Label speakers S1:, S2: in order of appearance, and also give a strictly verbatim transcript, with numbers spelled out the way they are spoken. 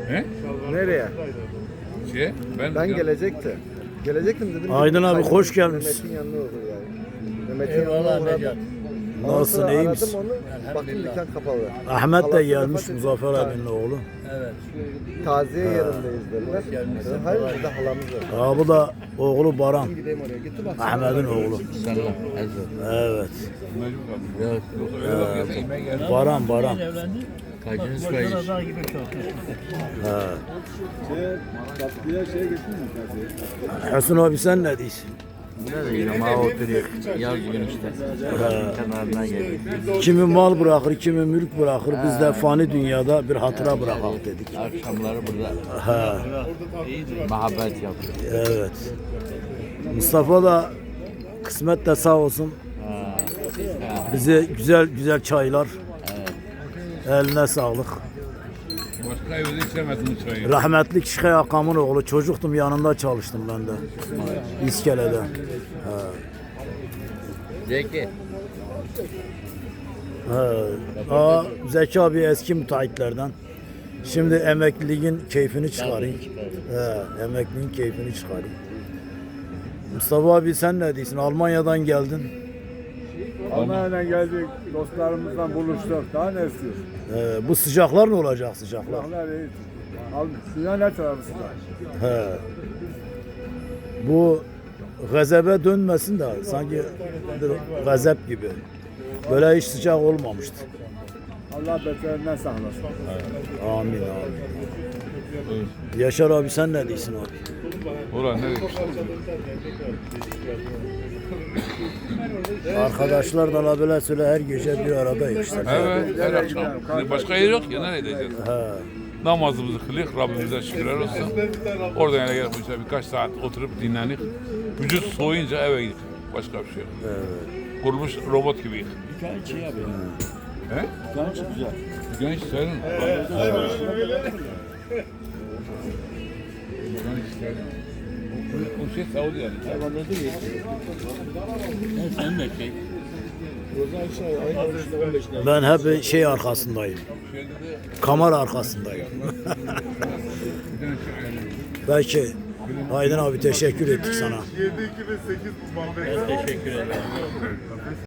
S1: He?
S2: Nereye?
S1: Şey, ben,
S2: Ben gelecekti. Gelecektim dedim.
S3: Aydın abi,
S2: Aydın
S3: hoş gelmişsin.
S2: Mehmet'in yanına olur yani. Mehmet'in
S4: Eyvallah
S2: yanına
S4: Necat.
S2: uğradım. Ondan
S3: Nasılsın,
S2: sonra
S3: iyi
S2: aradım
S3: misin?
S2: onu. Baktım dükkan kapalı.
S3: Ahmet de
S2: Allah'tan
S3: gelmiş,
S2: vefat etti.
S3: Muzaffer abinin oğlu.
S4: Evet.
S2: Taziye yerindeyiz dediler.
S4: gelmişsin.
S2: Dedim, hayır burada halamız var.
S3: Aa, bu da oğlu Baran.
S2: Gideyim oraya. Gitti bak.
S3: Ahmet'in oğlu.
S4: Selam. Ezber.
S3: Evet.
S1: mecbur kaldım.
S4: Evet.
S1: Yoksa öyle bakıyorsa yemeğe geldim.
S3: Baran, Baran.
S4: Evlendi. Kaçıncı kayış?
S3: He.
S2: Tatlıya şey getirdin mi taziye?
S3: Hasan abi sen ne diyorsun?
S4: Ne diyeyim ha oturuyor. Yaz gün işte. Kenarına geliyor.
S3: Kimi mal bırakır, kimi mülk bırakır. Biz de fani dünyada bir hatıra bırakalım dedik.
S4: Akşamları burada
S3: He.
S4: muhabbet yapıyor.
S3: Evet. Mustafa da kısmet de sağ olsun. Bize güzel güzel çaylar. Eline sağlık.
S1: Başka evde içemezsin çayı.
S3: Rahmetlik Şikay Akam'ın oğlu. Çocuktum, yanında çalıştım ben de. İskele'de. He.
S4: Zeki.
S3: He. Aa, Zeki abi eski müteahhitlerden. Şimdi emekliliğin keyfini çıkarayım. He, emekliliğin keyfini çıkarayım. Mustafa abi sen ne diyorsun? Almanya'dan geldin.
S5: Almanya'dan geldik, dostlarımızla buluştuk. Daha ne istiyorsun?
S3: He, bu sıcaklar ne olacak sıcaklar?
S5: Silahlar iyi. Al, silah ne tarafı
S3: He. Bu gazebe dönmesin de sanki bir gazep gibi. Böyle hiç sıcak olmamıştı.
S5: Allah beterinden saklasın.
S3: Amin amin. Yaşar abi sen ne diyorsun abi?
S1: Ulan ne demiş?
S3: Arkadaşlar da la böyle söyle her gece bir aradayız işte.
S1: Evet, her akşam. Şimdi başka yer yok ya, nereye gideceğiz?
S3: He.
S1: Namazımızı kılık, Rabbimize şükürler olsun. Oradan yana gelip işte birkaç saat oturup dinlenip, vücut soğuyunca eve gidip başka bir şey yok.
S3: Evet.
S1: Kurulmuş robot gibiyiz.
S4: Genç iyi abi.
S1: He?
S4: Genç güzel.
S1: Genç senin. O şey Saudi yani.
S4: Sen de şey.
S3: Ben hep şey arkasındayım. Kamera arkasındayım. Belki Aydın abi teşekkür ettik sana.
S4: Ben teşekkür ederim.